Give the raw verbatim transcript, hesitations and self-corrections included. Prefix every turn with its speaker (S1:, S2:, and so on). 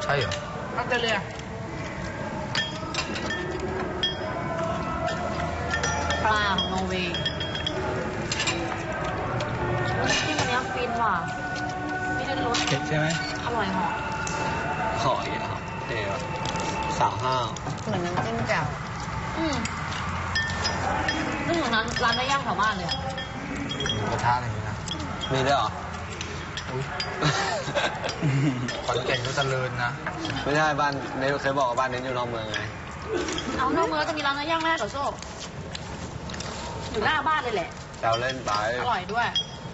S1: ใช่เหรอออสเตรเลียปลาของนอร์เวย์ที่มันเนี้ยฟินว่ะไม่ได้รส
S2: เผ็ดใช่ไหม
S1: อร่อยหอม
S3: ขออีกครับเดี๋ยวสาวห้าว
S1: เหมือนน้ำจิ้มแจ่วอืมนึกถึงร้านร้านได้ย่างแถวบ้านเลยอะ
S3: กระทะอะไรอย่างนี้นะมีด้วยเหรอ
S2: ขอนแก่นก็เจริญนะ
S3: ไม่ใช่บ้านเนยเคยบอกว่าบ้านเนยอยู่นอกเมืองไง
S1: เอานอกเมืองจะมีร้านเนื้อย่างแม่กับโซ่อยู่หน้าบ้านเลยแหละ
S3: แซวเล่นไป
S1: อร่อยด้วย